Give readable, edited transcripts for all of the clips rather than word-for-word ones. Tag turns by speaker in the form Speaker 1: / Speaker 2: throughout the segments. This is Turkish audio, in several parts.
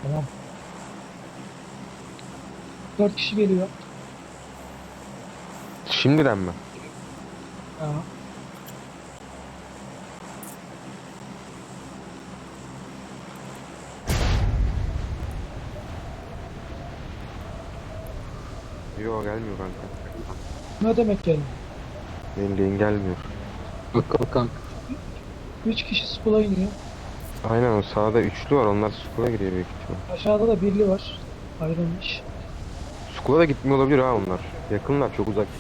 Speaker 1: Tamam. 4 kişi geliyor.
Speaker 2: Şimdiden mi?
Speaker 1: Ha.
Speaker 2: Yok, gelmiyor kanka.
Speaker 1: Ne demek geldi?
Speaker 2: Benim lane gelmiyor.
Speaker 3: Bakalım kanka.
Speaker 1: 3 kişi skula iniyor.
Speaker 2: Aynen, o sağda üçlü var, onlar Skull'a giriyor büyük ihtimal.
Speaker 1: Aşağıda da birli var. Ayrılmış.
Speaker 2: Skull'a da gitmiyor olabilir ha onlar. Yakınlar, çok uzak.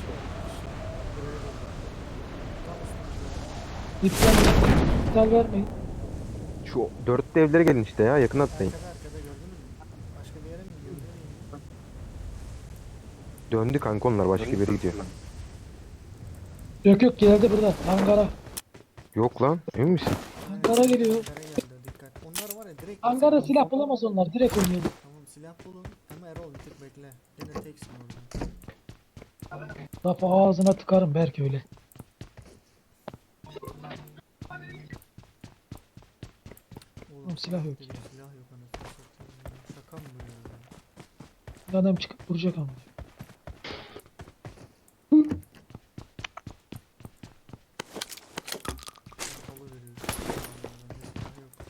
Speaker 1: İptal, iptal vermeyin.
Speaker 2: Şu dörtlü evlere gelin işte ya, yakın atlayın.
Speaker 4: Arkada gördünüz mü? Başka bir yere mi gidiyor?
Speaker 2: Döndü kanka, onlar başka bir yere gidiyor.
Speaker 1: Yok yok, geldi burada. Hangara.
Speaker 2: Yok lan, emin misin?
Speaker 1: Hangara geliyor.
Speaker 4: Hangara geldi, dikkat. Onlar var ya, direkt
Speaker 1: Hangara
Speaker 4: basalım.
Speaker 1: silah bulamaz onlar. Direkt oynuyordu.
Speaker 4: Tamam, silah bulun ama Erol bir tık bekle. Yine teksin orada.
Speaker 1: Lafı ağzına tıkarım belki öyle.
Speaker 4: Oğlum
Speaker 1: silah yok
Speaker 4: dedi,
Speaker 1: ya.
Speaker 4: silah yok anasını satayım ya. Şaka mı bu ya?
Speaker 1: Adam çıkıp vuracak ama.
Speaker 4: Halı veriyoruz. Bende silah yok.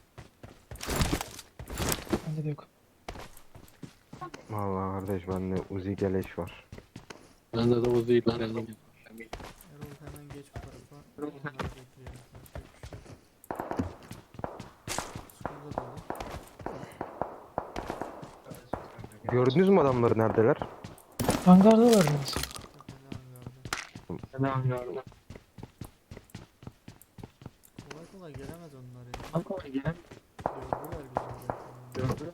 Speaker 1: Bende de yok.
Speaker 2: Vallahi kardeş, bende Uzi Geleş var.
Speaker 3: Bende de o değil. Ben de
Speaker 4: Erol hemen geç bu tarafa. Onları bekleyelim. Skulda dolu.
Speaker 2: Gördünüz mü adamları, neredeler?
Speaker 1: Hangarda var yalnız.
Speaker 4: Fena hangarda. Kolay kolay gelemez onlar ya. Gördüler bizi zaten.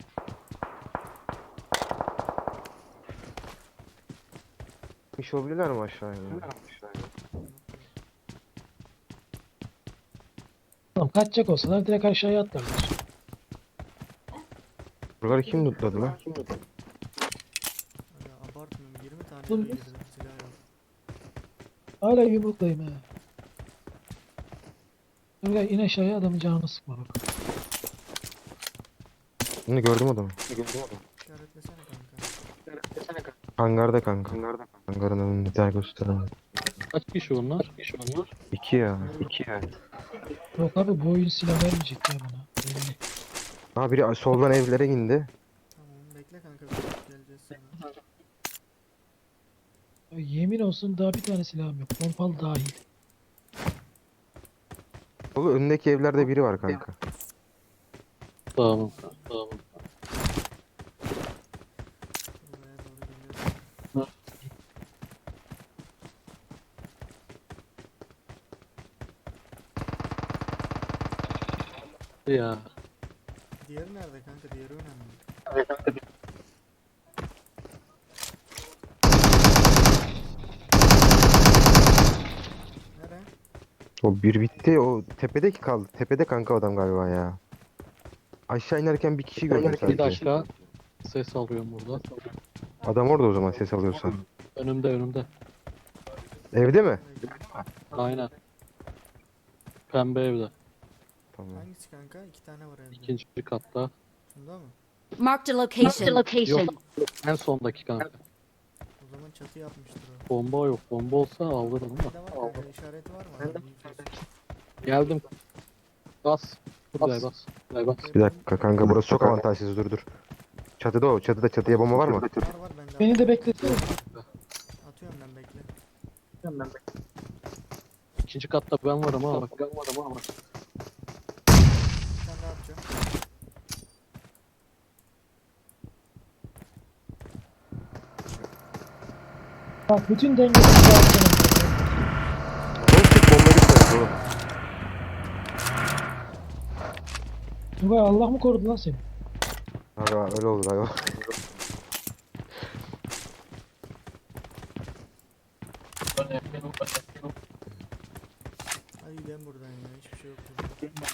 Speaker 2: İş olabilirler mi aşağıya?
Speaker 1: Tamam, kaçacak olsalar direkt aşağıya atlarlar.
Speaker 2: Buraları kim lootladı lan?
Speaker 4: Ya abartmıyorum, 20 tane
Speaker 1: Oğlum,
Speaker 4: eve girdim, silah yok.
Speaker 1: Hala yumruktayım he. Öyle in aşağıya, adamın canını sıkma bak.
Speaker 2: Bunu gördüm adamı.
Speaker 4: İşaretlesene kanka.
Speaker 2: Hangarda kanka. Hangarın önünde, bir tane gösterelim.
Speaker 3: Kaç kişi onlar?
Speaker 2: İki ya. İki ya.
Speaker 1: Yok abi, bu oyun silah vermeyecek ya bana. Belli.
Speaker 2: Ha, biri soldan evlere indi.
Speaker 4: Tamam, bekle kanka, bir geleceğiz sana.
Speaker 1: Ya yemin olsun daha bir tane silahım yok. Pompalı dahil.
Speaker 2: Oğlum, önündeki evlerde biri var kanka.
Speaker 3: Tamam.
Speaker 4: Buraya doğru geliyorum.
Speaker 3: Ya.
Speaker 4: Diğeri nerede kanka? Diğeri önemli. Nere?
Speaker 2: O bir bitti. O tepedeki kaldı. Tepede kanka adam galiba ya. Aşağı inerken bir kişi gördüm
Speaker 3: Bir
Speaker 2: sadece.
Speaker 3: dakika. Ses alıyorum burada.
Speaker 2: Adam orada o zaman, ses alıyorsan.
Speaker 3: Önümde.
Speaker 2: Evde mi?
Speaker 3: Aynen. Pembe evde.
Speaker 2: Tamam.
Speaker 4: Hangisi kanka? İki tane var evde.
Speaker 3: İkinci katta.
Speaker 4: Şunda mı?
Speaker 5: Marked a location.
Speaker 3: Yok. En sondaki kanka.
Speaker 4: O zaman çatı yapmıştır o.
Speaker 3: Bomba yok. Bomba olsa alırım ama.
Speaker 4: Bende var kanka, işareti var mı? Adamın infosu.
Speaker 3: Geldim. Bas. Buraya bas.
Speaker 2: Bir dakika kanka, burası çok avantajsız, dur. Çatıda o. Çatıya bomba var mı?
Speaker 4: Var bende.
Speaker 1: Beni de beklesene.
Speaker 4: Atıyorum ben, bekle.
Speaker 3: İkinci katta ben varım ha. Bak.
Speaker 4: Bir tane daha atacağım.
Speaker 1: Bak, bütün dengesini dağıtsana.
Speaker 2: Oğlum, tek bomba gitmedi oğlum.
Speaker 1: Tugay, Allah mı korudu lan seni?
Speaker 2: Galiba öyle oldu galiba.
Speaker 4: Hadi gidelim buradan ya. Hiçbir şey yok burada.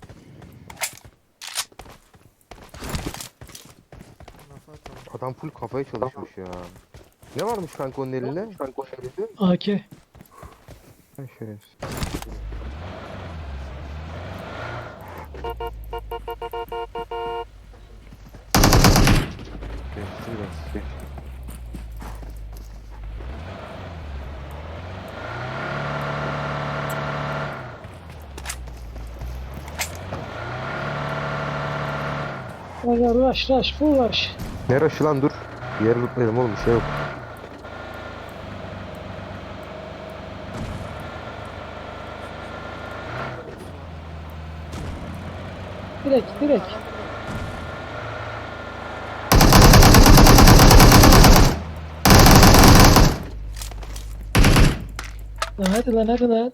Speaker 4: Lafa atalım.
Speaker 2: Adam full kafaya çalışmış ya. Ne varmış kanka onun elinde?
Speaker 1: AK.
Speaker 2: Ha, şerefsiz. Geçti biraz. Geçti.
Speaker 1: Aga rush full rush.
Speaker 2: Ne rush'ı lan dur. Bir yere lootlayalım oğlum, bir şey yok.
Speaker 1: Direkt. Lan hadi lan.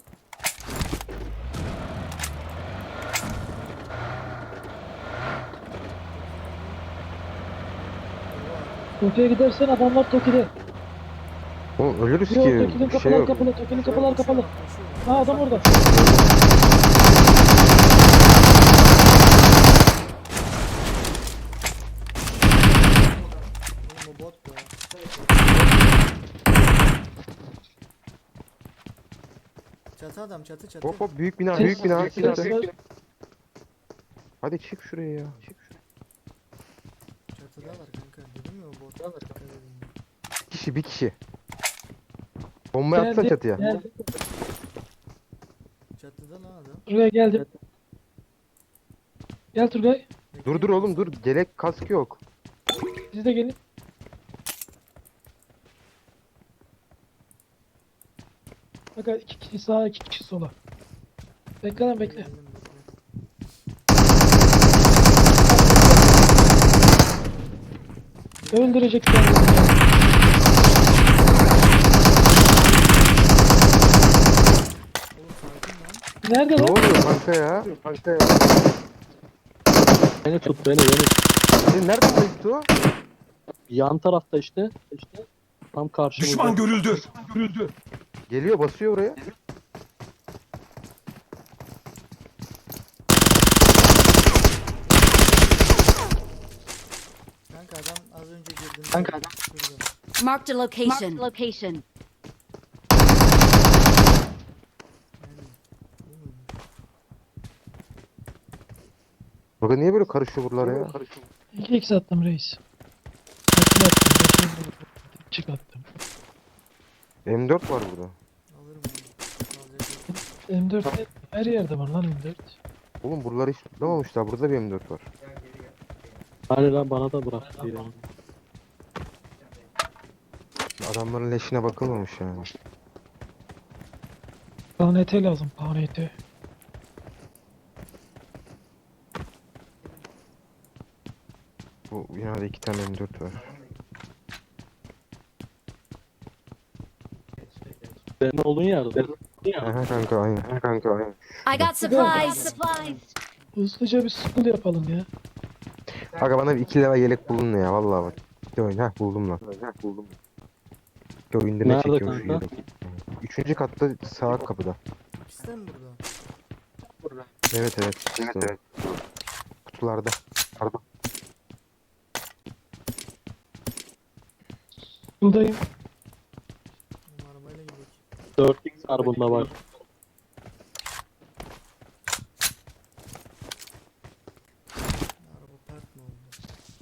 Speaker 1: Toki'ye gidersen adamlar Toki'de.
Speaker 2: Oğlum ölürüz
Speaker 1: Yok,
Speaker 2: ki.
Speaker 1: Toki'nin
Speaker 2: Bir şey
Speaker 1: kapılar
Speaker 2: yok.
Speaker 1: kapalı, Toki'nin kapılar kapalı. Ha adam orada.
Speaker 4: Oğlum o bot ya. Çatı adam çatı.
Speaker 2: Hop hop, büyük bina,
Speaker 1: Ses-
Speaker 2: büyük bina.
Speaker 1: ses var.
Speaker 2: Hadi çık şuraya ya.
Speaker 4: Çatıdalar kanka. Dedim ya o bot. Dikkat edin.
Speaker 2: Bir kişi. Bomba atsana çatıya.
Speaker 1: Geldi.
Speaker 4: Çatıda lan adam.
Speaker 1: Turgay geldim. Gel Turgay.
Speaker 2: Dur oğlum dur. Gelek kask yok.
Speaker 1: Siz de gelin. Aga 2 kişi sağa 2 kişi sola. Bekle lan bekle.
Speaker 4: Geldim, bekle.
Speaker 1: Öldürecek kendini.
Speaker 4: Oğlum sakin lan.
Speaker 1: Nerede
Speaker 2: Ne
Speaker 1: lan?
Speaker 2: oluyor kanka ya? Kanka ya.
Speaker 3: Beni tut beni.
Speaker 2: Senin nereden bayıktı o?
Speaker 3: Yan tarafta işte. Tam karşımızda.
Speaker 6: Düşman görüldü.
Speaker 2: Geliyor, basıyor oraya.
Speaker 4: Kanka adam az önce girdim.
Speaker 3: Kanka adam.
Speaker 4: Şurada.
Speaker 5: Marked a location. Location.
Speaker 4: Yani. Bu muydu?
Speaker 2: Bakın niye böyle karışıyor buralar ya?
Speaker 1: 2x attım reis. Atlı attım. Çık attım.
Speaker 2: M4 var burada.
Speaker 4: Alırım onu. Alacak yok.
Speaker 1: M4 her yerde var lan M4.
Speaker 2: Oğlum buraları hiç tutlamamışlar. Burada bir M4 var.
Speaker 3: Hani lan bana da bırak.
Speaker 2: Adamların leşine bakılmamış yani.
Speaker 1: KNT lazım KNT.
Speaker 2: Bu binada 2 tane M4 var.
Speaker 3: Senin olduğun yerde.
Speaker 2: Aha kanka aynen. Aha kanka aynen.
Speaker 5: I got supplies.
Speaker 1: Hızlıca bir school yapalım ya.
Speaker 2: Aga bana bir 2 level yelek bulun ya vallahi bak. Bir oyun ha buldum lan. Buldum. Bir oyunda ne
Speaker 3: Nerede
Speaker 2: çekiyorum şu
Speaker 3: kanka?
Speaker 2: yelek. 3. katta sağ kapıda.
Speaker 4: İkisi de mi burada?
Speaker 2: Evet. Evet. Kutularda. Pardon.
Speaker 1: Buradayım.
Speaker 4: Oğlum arabayla gidelim.
Speaker 3: 4x var bunda var.
Speaker 4: Araba park mı oldu?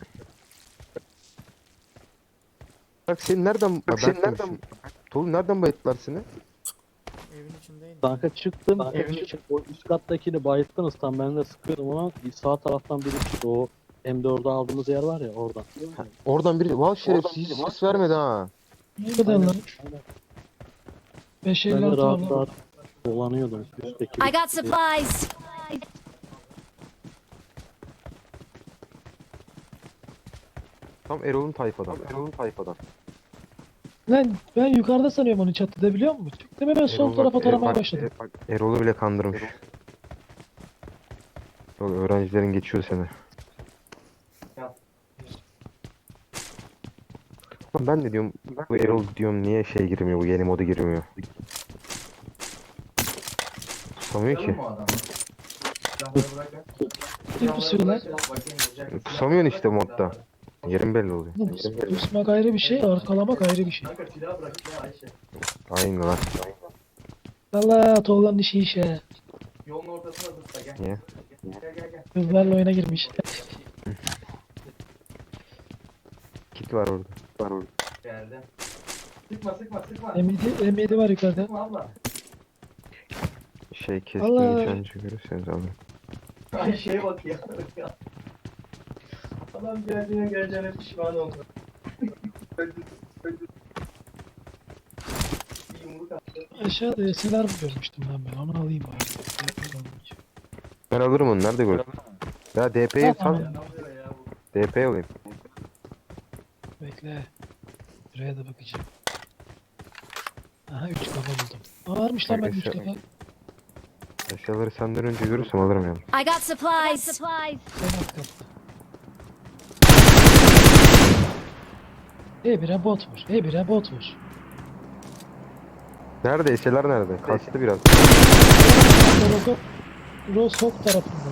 Speaker 2: Bak senin nereden Tolu nereden bayıttılar seni?
Speaker 4: Evin içindeydim.
Speaker 3: Kanka çıktım. O üst kattakini bayılttınız tam ben de sıkıyordum ama sağ taraftan biri çıktı. O M4'ü aldığımız yer var ya oradan.
Speaker 2: Oradan biri vay şerefsiz hiç ses vermedi ha.
Speaker 1: Ne kadar lan?
Speaker 3: Ben
Speaker 1: 556
Speaker 3: de
Speaker 1: var
Speaker 3: rahat
Speaker 1: lan.
Speaker 3: rahat dolanıyordum üstteki.
Speaker 5: I got supplies.
Speaker 2: Tam Erol'un tayfadan.
Speaker 1: Lan ben yukarıda sanıyorum onu çatıda biliyor musun? Çıktım hemen sol
Speaker 2: Erol
Speaker 1: tarafa
Speaker 2: bak,
Speaker 1: taramaya
Speaker 2: bak,
Speaker 1: başladım.
Speaker 2: bak, Erol'u bile kandırmış. Yok, öğrencilerin geçiyor seni. Lan ben de diyorum bu Erol diyorum niye şey girmiyor, bu yeni moda girmiyor. Pusamıyor ki.
Speaker 1: Bir pusuyor lan.
Speaker 2: Pusamıyorsun işte modda. Yerin belli oluyor.
Speaker 1: Pusmak ayrı bir şey, arkalamak ayrı bir şey.
Speaker 2: Aynen lan.
Speaker 1: Allah Tolga'nın işi işe.
Speaker 2: Niye?
Speaker 1: Kızlarla oyuna girmiş.
Speaker 2: kit var orada.
Speaker 6: Geldi. Sıkma sıkma sıkma.
Speaker 1: M7 var yukarıda.
Speaker 6: Sıkma abla.
Speaker 2: Şey keskin
Speaker 1: Allah.
Speaker 2: nişancı görürseniz alın.
Speaker 6: Ay şeye bak ya. Adam geleceğine pişman oldu. Öldü. Bir yumruk attı.
Speaker 1: Aşağıda SLR mı görmüştüm ben onu alayım bari.
Speaker 2: Ben alırım onu. Nerede gördün? Ya DP'yi
Speaker 1: Tamam.
Speaker 2: sal.
Speaker 6: Ne yapıyor ya bu?
Speaker 2: DP alayım.
Speaker 1: Bekle. Şuraya da bakacağım. Aha 3 kafa buldum. Aa, varmış lan ben 3 kafa.
Speaker 2: Eşyaları senden önce görürsem alırım yani.
Speaker 5: I got supplies.
Speaker 1: En alt katta. Bire bot vur. Bire bot vur.
Speaker 2: Nerede? Eşyalar nerede? Kastı biraz.
Speaker 1: Roshok tarafında.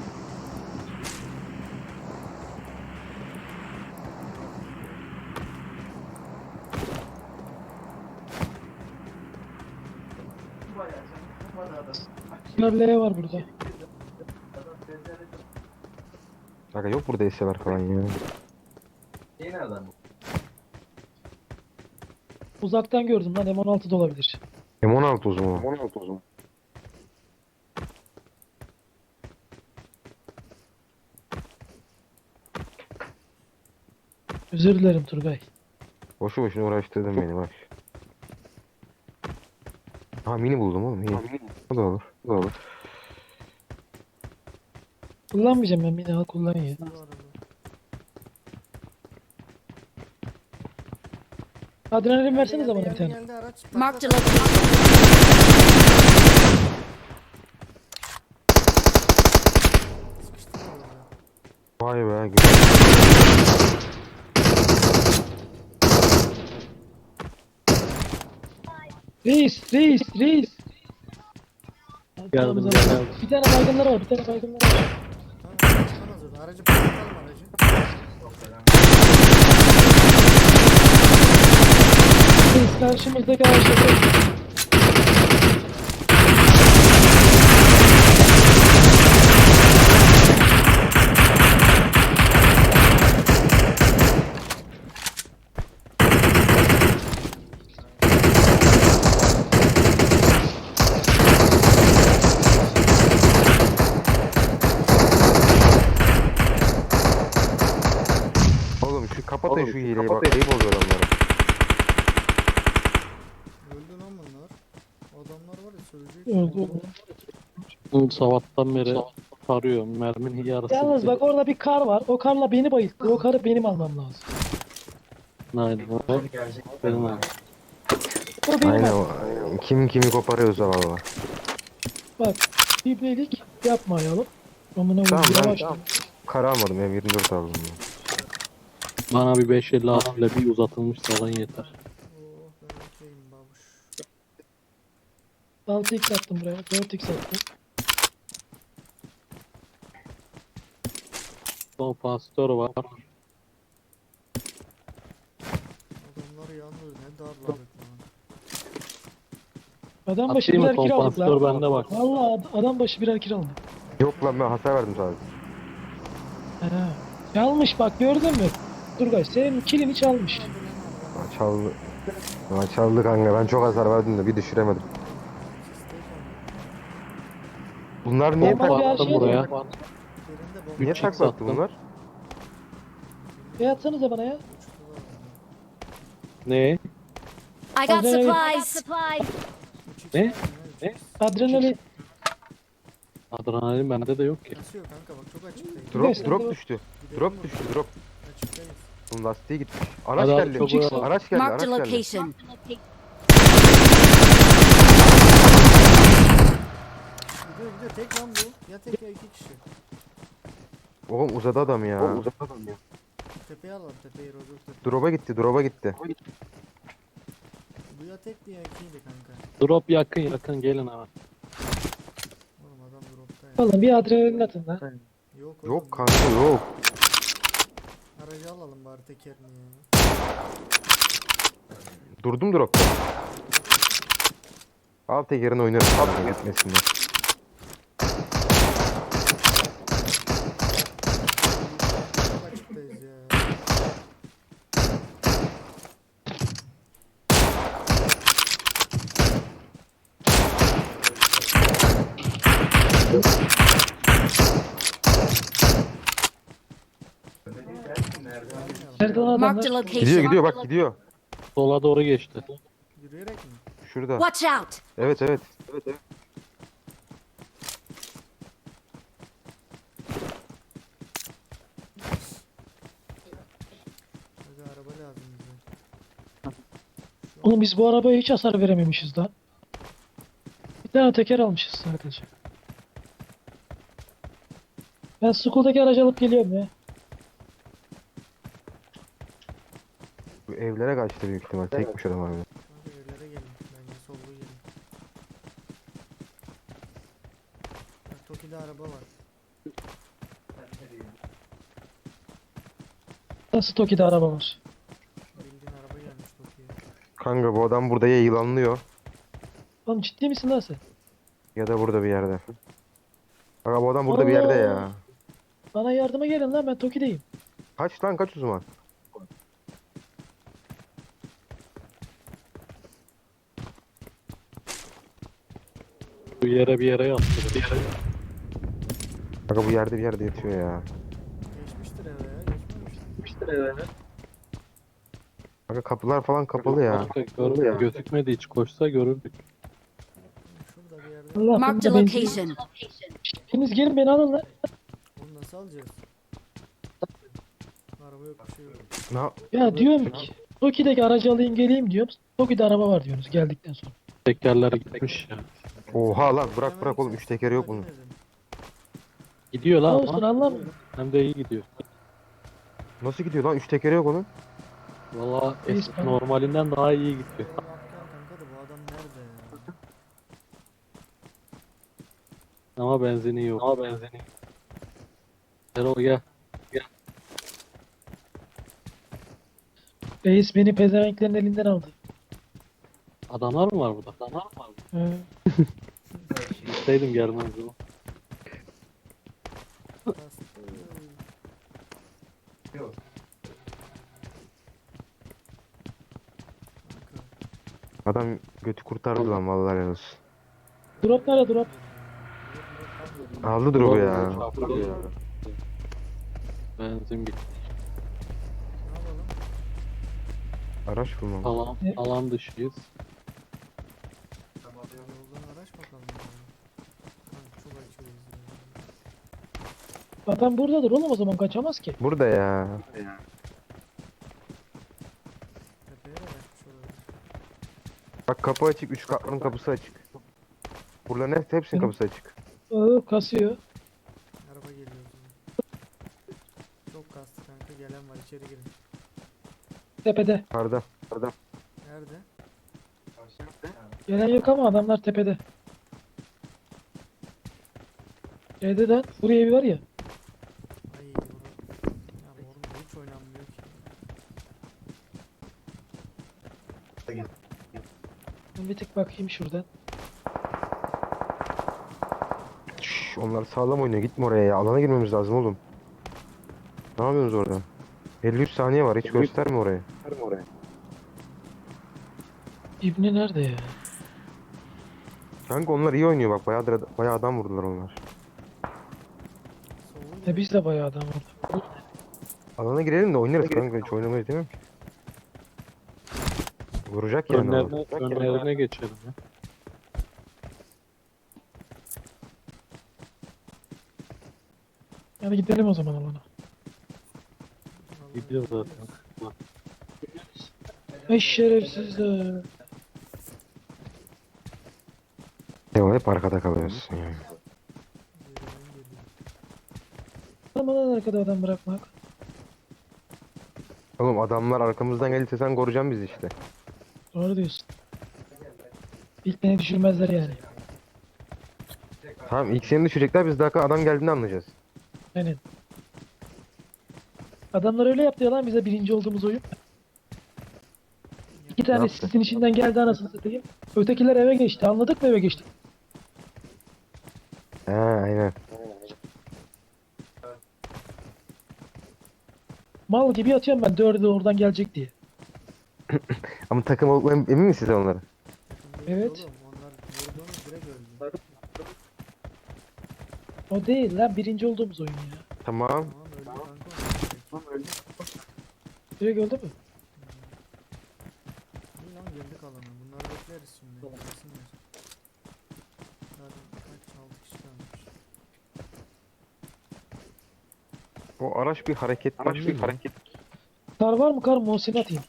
Speaker 6: Bayağı sen sıkmadı adam.
Speaker 1: Bunlar L var burada.
Speaker 2: Aga yok burada eşyalar falan ya.
Speaker 6: Şey nereden bu?
Speaker 1: Uzaktan gördüm lan M16 da olabilir.
Speaker 2: M16 o zaman. M16 o zaman.
Speaker 1: Özür dilerim Turgay.
Speaker 2: Boşu boşuna uğraştırdın beni bak. Ha mini buldum oğlum iyi. O da olur. O da olur.
Speaker 1: Kullanmayacağım ben mini al kullan ya.
Speaker 4: Bu arada.
Speaker 1: Adrenalin versenize bana bir
Speaker 4: Geldi,
Speaker 1: tane.
Speaker 4: geldi araç. Tak,
Speaker 5: Marked a
Speaker 4: tak, tak.
Speaker 5: location.
Speaker 4: Sıkıştırdı orada.
Speaker 2: Vay be güzel.
Speaker 1: Reis.
Speaker 3: Geldim,
Speaker 1: Tamam,
Speaker 3: geldim.
Speaker 1: Bir tane baygınlar var.
Speaker 4: Tamam, tamam hazır. Aracı patlatalım aracı.
Speaker 1: Reis karşımızdaki ağaçta.
Speaker 2: Oğlum şu kapatın şu hileyi bak. Ayıp oluyor adamlara.
Speaker 4: Öldü lan bunlar. Adamlar var ya söyleyecek.
Speaker 1: Öldü.
Speaker 3: Sabahtan beri tarıyor. Merminin yarısı.
Speaker 1: Yalnız
Speaker 3: bitti.
Speaker 1: bak orada bir kar var. O karla beni bayılttı. O karı benim almam lazım.
Speaker 3: Aynen. O benim abi.
Speaker 1: O benim
Speaker 2: Aynen
Speaker 1: almam.
Speaker 2: o. Kim kimi koparıyorsa valla.
Speaker 1: Bak. Biblelik yapmayalım. Amına
Speaker 2: Tamam,
Speaker 1: koyayım.
Speaker 2: ben-
Speaker 1: Yavaş.
Speaker 2: tamam. Kara almadım ya 24 aldım ben.
Speaker 3: Bana bir 556 ile bir uzatılmış salan yeter.
Speaker 4: Oh ben okeyim babuş.
Speaker 1: 6x attım buraya. 4x attım.
Speaker 3: Son pastör var.
Speaker 4: Adamlar yalnız ne darladık lan.
Speaker 1: Adam başı
Speaker 3: Atayım mı
Speaker 1: birer kira aldık
Speaker 3: kompansatör
Speaker 1: lan.
Speaker 3: bende bak.
Speaker 1: Valla adam başı birer kira aldı.
Speaker 2: Yok lan ben hasar verdim sadece.
Speaker 1: He. Çalmış bak gördün mü? Turgay senin kilini çalmış.
Speaker 2: Çaldı. Çaldı kanka ben çok hasar verdim de bir düşüremedim. Bunlar niye
Speaker 1: Bomba
Speaker 2: tak
Speaker 1: bir her
Speaker 3: Attım
Speaker 1: şeye
Speaker 3: buraya.
Speaker 4: Birinde bomba
Speaker 2: niye
Speaker 3: Üç
Speaker 2: taklattı
Speaker 3: attım.
Speaker 2: bunlar?
Speaker 1: Atsanıza bana ya.
Speaker 4: uçtular.
Speaker 5: I
Speaker 3: Ne?
Speaker 5: got
Speaker 1: Adrenaline.
Speaker 5: supplies.
Speaker 3: Ne? Ne?
Speaker 1: Adrenalin.
Speaker 3: Adrenalin bende de yok ki.
Speaker 4: Kasıyor kanka bak çok açıktayız.
Speaker 1: Dur. Neyse,
Speaker 2: Drop
Speaker 1: dur.
Speaker 2: düştü.
Speaker 4: Gidelim
Speaker 2: Drop
Speaker 4: mi?
Speaker 2: düştü drop.
Speaker 4: Açıktayız.
Speaker 2: Bunun lastiği gitmiş. Araç
Speaker 3: Hadi abi,
Speaker 2: geldi.
Speaker 3: çok
Speaker 1: Çıksın.
Speaker 3: uğraşma.
Speaker 2: Araç geldi.
Speaker 5: Marked a
Speaker 2: Araç geldi.
Speaker 5: location.
Speaker 4: Gidiyor tek lan bu. Ya tek ya iki kişi.
Speaker 2: Oğlum uzadı adam ya.
Speaker 4: Tepeye alalım tepeyi rozok tepe.
Speaker 2: Drop'a gitti. Drop'a gitti.
Speaker 4: Bu ya tekti ya ikiydi kanka.
Speaker 3: Drop yakın gelin abi.
Speaker 4: Oğlum adam dropta ya.
Speaker 1: Oğlum bir adrenalin atın lan.
Speaker 4: Yok oğlum.
Speaker 2: Yok kanka yok.
Speaker 4: Aracı alalım bari tekerini ya.
Speaker 2: Durdum drop'ta. Al tekerini oynarım. Al gitmesinler.
Speaker 4: Çok açıktayız ya.
Speaker 1: Nerede lan
Speaker 5: Marked a
Speaker 1: adamlar?
Speaker 2: Gidiyor
Speaker 5: location.
Speaker 2: gidiyor bak gidiyor.
Speaker 3: Sola doğru geçti.
Speaker 4: Yürüyerek mi?
Speaker 2: Şurada.
Speaker 5: Watch out!
Speaker 2: Evet evet.
Speaker 4: Aga araba lazım bize.
Speaker 1: Oğlum biz bu arabaya hiç hasar verememişiz lan. Bir tane teker almışız sadece. Ben school'daki aracı alıp geliyorum ya.
Speaker 2: Bu evlere kaçtı büyük ihtimal. Tekmiş adam abi.
Speaker 4: Kanka evlere gelin. Bence sollu gelin. Bak Toki'de araba var.
Speaker 1: Nasıl Toki'de araba var?
Speaker 4: Bildiğin araba gelmiş Toki'ye.
Speaker 2: Kanka bu adam burada ya yılanlıyor
Speaker 1: Oğlum ciddi misin lan sen?
Speaker 2: ya da burada bir yerde. Kanka bu adam burada bir yerde ya.
Speaker 1: Bana yardıma gelin lan, ben Toki'deyim.
Speaker 2: Kaç lan kaç o zaman?
Speaker 3: Bu yere bir yere yattı.
Speaker 2: Kanka bu yerde bir yerde yatıyor ya.
Speaker 4: Geçmiştir eve ya. Geçmemiştir.
Speaker 2: Kanka kapılar falan kapalı ya.
Speaker 3: Gözükmedi, hiç koşsa görürdük.
Speaker 4: Şurada bir yerde.
Speaker 1: Allah
Speaker 5: Marked a
Speaker 1: bunda benzin.
Speaker 5: location.
Speaker 1: Hepiniz gelin beni alın lan.
Speaker 4: Onu nasıl alacağız? Araba yok bir şey yok.
Speaker 2: Ne yap-
Speaker 1: Ya diyorum ki Toki'deki aracı alayım geleyim diyorum. Toki'de araba var diyorsunuz geldikten sonra.
Speaker 3: Tekerler gitmiş ya.
Speaker 2: Oha lan bırak bırak oğlum 3 tekeri yok bunun.
Speaker 3: Gidiyor lan
Speaker 1: Olsun
Speaker 3: ama.
Speaker 1: anlamıyorum.
Speaker 3: Hem de iyi gidiyor.
Speaker 2: Nasıl gidiyor lan 3 tekeri yok onun?
Speaker 3: Valla
Speaker 1: Biz-
Speaker 3: normalinden daha iyi gidiyor.
Speaker 4: Kanka da bu adam nerede ya?
Speaker 3: Ama benzini yok. Erol gel.
Speaker 1: Reis beni pezevenklerin elinden aldı.
Speaker 3: Adamlar mı var burada? Adamlar mı var burada?
Speaker 1: He.
Speaker 3: Gitseydim gelmezdim.
Speaker 4: Bastı. Kanka.
Speaker 2: Adam götü kurtardı lan vallahi helal olsun.
Speaker 1: Drop nerede drop?
Speaker 2: Aldı drop'u ya.
Speaker 3: Benzin bitti.
Speaker 4: Ne yapalım?
Speaker 2: Araç bulmam.
Speaker 3: Alan dışıyız.
Speaker 4: Yoldan araç bakalım ya. Kanka çok açıyoruz ya.
Speaker 1: Adam buradadır oğlum, o zaman kaçamaz ki.
Speaker 2: Burada ya.
Speaker 4: Tepeye de kaçmış olabilir.
Speaker 2: Bak kapı açık 3 katlının kapısı açık. Buraların hepsinin kapısı açık.
Speaker 1: Kasıyor.
Speaker 4: Araba geliyor o zaman. Çok kastı kanka, gelen var, içeri girin.
Speaker 1: Tepede.
Speaker 2: Karda.
Speaker 4: Nerede?
Speaker 1: Gelen yok ama adamlar tepede. Şeyde de buraya evi var ya.
Speaker 4: Ay bura. Ya oğlum hiç oynanmıyor ki.
Speaker 1: Ben bir tık bakayım şuradan.
Speaker 2: Şşş, onlar sağlam oynuyor gitme oraya ya. Alana girmemiz lazım oğlum. Ne yapıyorsunuz orada? 53 saniye var hiç gösterme oraya.
Speaker 1: İbni nerede ya?
Speaker 2: Kanka onlar iyi oynuyor bak bayağı adam vurdular onlar.
Speaker 4: Solun
Speaker 1: Biz de bayağı adam orada.
Speaker 2: Alana girelim de oynarız kanka hiç oynamayız değil mi? Vuracak yani.
Speaker 3: Önlerine geçelim ya.
Speaker 1: Yani gidelim o zaman alana.
Speaker 3: Gidiyor zaten.
Speaker 1: Ay şerefsizler.
Speaker 2: Ya hep arkada kalıyorsun ya.
Speaker 4: geriden geliyor.
Speaker 1: Aman arkada adam bırakmak.
Speaker 2: Oğlum adamlar arkamızdan gelirse sen koruyacaksın bizi işte.
Speaker 1: Doğru diyorsun. İlk beni düşürmezler yani.
Speaker 2: Tamam ilk seni düşecekler biz daha adam geldiğini anlayacağız.
Speaker 1: Aynen. Adamlar öyle yaptı ya lan bize birinci olduğumuz oyun. İki tane
Speaker 2: yaptı?
Speaker 1: sisin içinden geldi anasını satayım. Ötekiler eve geçti. Anladık mı eve geçti?
Speaker 2: He aynen.
Speaker 1: Mal gibi atıyorum ben, dördü de oradan gelecek diye.
Speaker 2: Ama takım olduklarına emin misiniz onları?
Speaker 4: Takım değil
Speaker 1: Evet.
Speaker 4: oğlum, onlar vurduğumuz direkt öldü.
Speaker 1: O değil lan, birinci olduğumuz oyun ya.
Speaker 2: Tamam.
Speaker 4: Tamam öldü kanka. o.
Speaker 1: Direkt öldü mü?
Speaker 4: İyi lan girdik alana. Bunları bekleriz şimdi. Gelsinler. Zaten kaç 6 kişi kalmış.
Speaker 2: O araç bir hareket.
Speaker 1: Kar var mı kar? Muhsin atayım.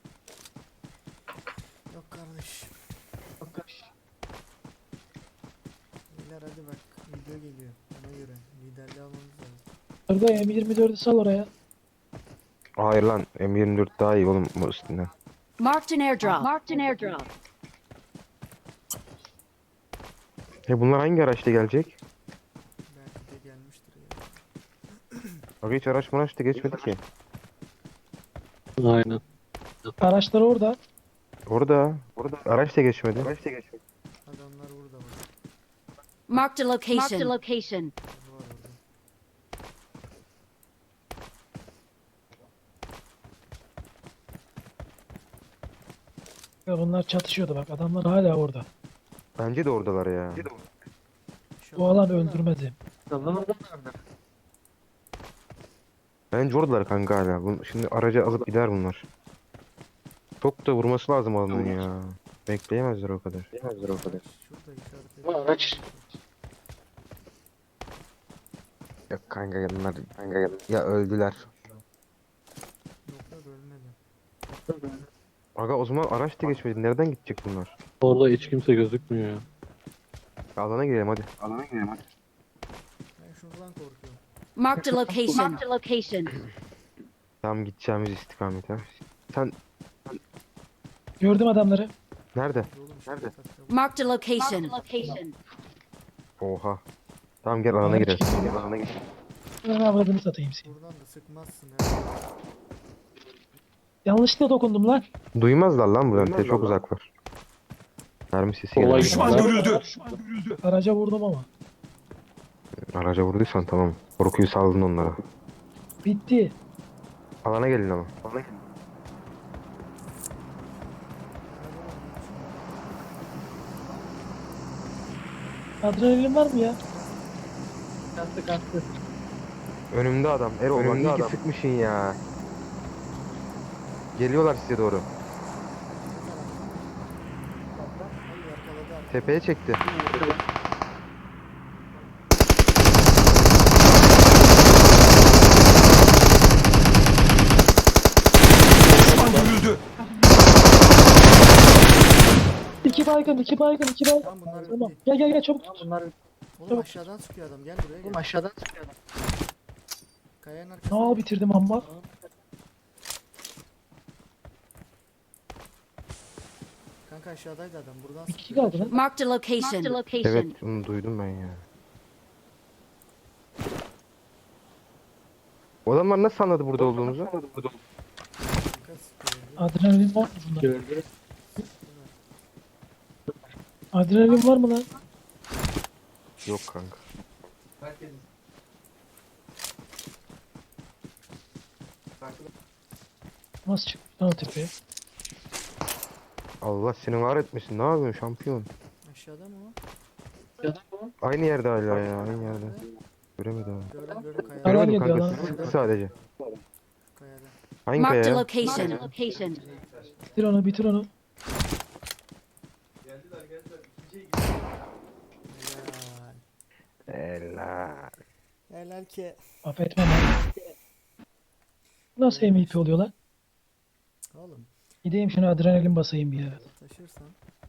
Speaker 4: Yok kardeş. Beyler hadi bak video geliyor. Ona göre liderliği almamız lazım.
Speaker 1: Arda M24'ü sal oraya.
Speaker 2: Hayır lan M24 daha iyi oğlum bu üstünden.
Speaker 5: Marked an airdrop. Marked an airdrop.
Speaker 2: Bunlar hangi araçla gelecek?
Speaker 4: Belki de gelmiştir ya.
Speaker 2: Bak hiç araç da geçmedi ki.
Speaker 3: Aynen.
Speaker 1: Araçlar orada.
Speaker 2: Orada araç da geçmedi.
Speaker 4: Adamlar burada bak.
Speaker 5: Marked a location. Marked a location.
Speaker 4: Var orada.
Speaker 1: Ya bunlar çatışıyordu bak. Adamlar hala orada.
Speaker 2: Bence de oradalar ya.
Speaker 1: Bu alan öldürmedi.
Speaker 2: Bence oradalar kanka hala. Şimdi aracı alıp gider bunlar. Çok da vurması lazım adamın ya. Bekleyemezler o kadar.
Speaker 4: Şurada işaret
Speaker 2: Yok kanka bunlar ya öldüler.
Speaker 4: Yok yok ölmedi.
Speaker 2: Aga o zaman araç da geçmedi. Nereden gidecek bunlar?
Speaker 3: Orada hiç kimse gözükmüyor ya.
Speaker 2: Alana girelim hadi.
Speaker 4: Ben şuradan korkuyorum.
Speaker 5: Marked a location. Marked a location.
Speaker 2: Tamam gideceğimiz istikamete. Sen
Speaker 1: Gördüm adamları.
Speaker 2: nerede?
Speaker 4: Oğlum nerede?
Speaker 5: Marked a location. Location.
Speaker 2: Oha. Tamam gel alana
Speaker 1: Araç
Speaker 2: girelim.
Speaker 1: gidiyor.
Speaker 2: Alana girelim.
Speaker 1: Ben avradını satayım seni.
Speaker 4: Buradan da sıkmazsın ha.
Speaker 1: Yanlışlıkla dokundum lan.
Speaker 2: Duymazlar lan buradan. Çok uzaklar. Mermi sesi
Speaker 3: Olay
Speaker 2: geliyor.
Speaker 1: Araca vurdum ama.
Speaker 2: Araca vurduysan tamam. Korkuyu saldın onlara.
Speaker 1: Bitti.
Speaker 2: Alana gelin ama.
Speaker 1: Adrenalin var mı ya?
Speaker 2: Önümde adam. Erol bak iyi ki sıkmışsın ya. Geliyorlar size doğru.
Speaker 4: Ay yakaladı artık.
Speaker 2: Tepeye çekti.
Speaker 1: İki baygın, iki baygın, iki baygın.
Speaker 4: Tamam bunlar
Speaker 1: Tamam.
Speaker 4: bitti.
Speaker 1: Gel çabuk tut.
Speaker 4: Oğlum aşağıdan sıkıyor adam gel buraya gel. Oğlum aşağıdan sıkıyor adam. Kayanın arkasında.
Speaker 1: Aa bitirdim amma.
Speaker 4: Kanka aşağıdaydı adam buradan
Speaker 1: Bir kişi
Speaker 4: sıkıyor.
Speaker 1: kaldı lan.
Speaker 5: Marked a location. Marked a location.
Speaker 2: Evet onu duydum ben ya. O adamlar nasıl anladı burada olduğumuzu?
Speaker 4: Kanka sıkıyor.
Speaker 1: Adrenalin var mı bunda? Adrenalin var mı lan?
Speaker 2: Yok kanka.
Speaker 6: Herkesin.
Speaker 1: Nasıl çıkmış lan o tepeye?
Speaker 2: Allah seni var etmesin. Ne yapıyorsun şampiyon?
Speaker 4: Aşağıda mı o?
Speaker 2: Aynı yerde hala ya. Aynı yerde. Göremedim abi.
Speaker 4: Gördüm kayada.
Speaker 1: Alan
Speaker 2: Göremedim
Speaker 1: geliyor
Speaker 2: kanka.
Speaker 1: lan.
Speaker 2: Sıktı sadece.
Speaker 4: Kayada.
Speaker 2: Hangi
Speaker 5: Marked a
Speaker 2: kaya?
Speaker 5: location. Location.
Speaker 1: Bitir onu, bitir onu.
Speaker 6: Geldiler. İkinciye gidiyor.
Speaker 4: Helal.
Speaker 2: Helal.
Speaker 4: Helal ki.
Speaker 1: Affetmem lan. Nasıl MVP oluyor lan?
Speaker 4: Oğlum
Speaker 1: Gideyim şuna adrenalin basayım bir ya.
Speaker 4: taşırsan.